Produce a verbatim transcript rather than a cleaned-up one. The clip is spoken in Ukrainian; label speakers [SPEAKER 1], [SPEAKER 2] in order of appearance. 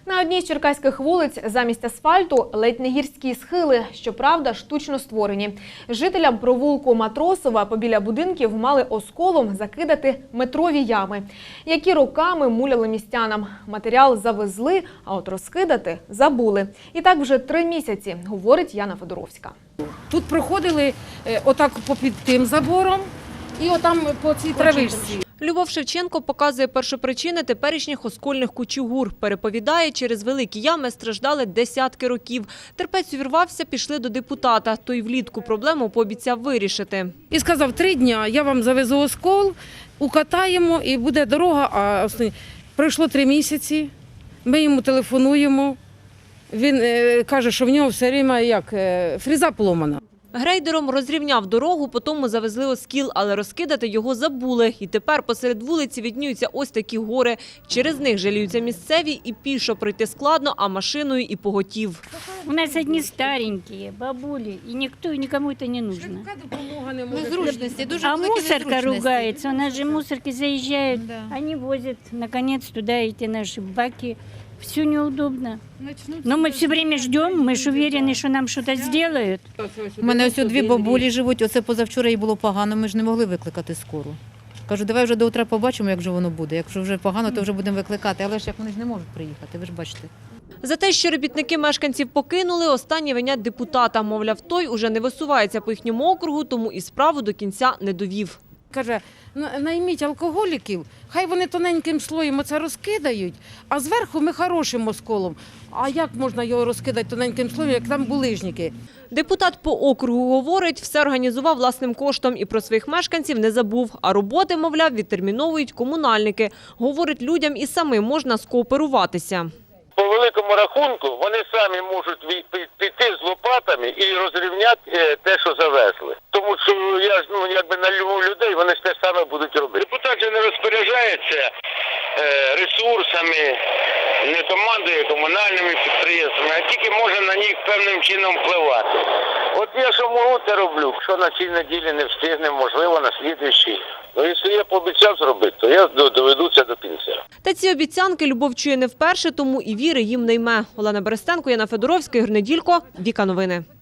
[SPEAKER 1] На одній з черкаських вулиць замість асфальту ледь не гірські схили, щоправда, штучно створені. Жителям провулку Матросова побіля будинків мали осколом закидати метрові ями, які роками муляли містянам. Матеріал завезли, а от розкидати забули. І так вже три місяці, говорить Яна Федоровська.
[SPEAKER 2] Тут проходили е, отак попід тим забором і отам по цій травичці.
[SPEAKER 3] Любов Шевченко показує першопричини теперішніх оскольних кучугур. Переповідає, через великі ями страждали десятки років. Терпець увірвався, пішли до депутата. Той влітку проблему пообіцяв вирішити.
[SPEAKER 2] І сказав, три дня я вам завезу оскол, укатаємо і буде дорога. А основні... Пройшло три місяці, ми йому телефонуємо. Він е, каже, що в нього все время як е, фреза поломана.
[SPEAKER 3] Грейдером розрівняв дорогу, потім завезли оскіл, але розкидати його забули. І тепер посеред вулиці віднюються ось такі гори. Через них жаліються місцеві, і пішо пройти складно, а машиною і поготів.
[SPEAKER 4] У нас одни старенькие, бабули, и никто, и никому это не нужно.
[SPEAKER 5] Незручності, дуже
[SPEAKER 4] А
[SPEAKER 5] великі
[SPEAKER 4] мусорка
[SPEAKER 5] незручності.
[SPEAKER 4] ругается, у нас же мусорки заезжают,
[SPEAKER 5] Да.
[SPEAKER 4] они возят, наконец, туда эти наши баки. Все неудобно. Но мы все время ждем, мы же уверены, что нам что-то сделают.
[SPEAKER 5] У мене ось дві бабулі живуть, оце позавчора їй було погано, ми ж не могли викликати скору. Кажу, давай вже до утра побачимо, як же воно буде. Якщо вже погано, то вже будемо викликати. Але ж як вони ж не можуть приїхати, ви ж бачите.
[SPEAKER 3] За те, що робітники мешканців покинули, останні винять депутата. Мовляв, той уже не висувається по їхньому округу, тому і справу до кінця не довів.
[SPEAKER 2] Каже, «На- найміть алкоголіків, хай вони тоненьким слоєм оце розкидають, а зверху ми хорошим осколом. А як можна його розкидати тоненьким слоєм, як там булижники?
[SPEAKER 3] Депутат по округу говорить, все організував власним коштом і про своїх мешканців не забув. А роботи, мовляв, відтерміновують комунальники. Говорить, людям і самим можна скооперуватися.
[SPEAKER 6] По великому рахунку вони самі можуть вій- пі- піти з лопатами і розрівняти е, те, що завезли. Тому що я ж ну якби налюбив людей, вони ж те саме будуть робити. Депутат же не розпоряджається е, ресурсами, не командує комунальними підприємствами, а тільки може на них певним чином впливати. От я що можу, те роблю. Що на цій неділі не встигнемо, можливо, на слідуючій. Ну, якщо я пообіцяв зробити, то я доведу це до кінця.
[SPEAKER 3] Та ці обіцянки Любов чує не вперше, тому і віри їм не йме. Олена Берестенко, Яна Федоровська, Ігор Неділько, Віка Новини.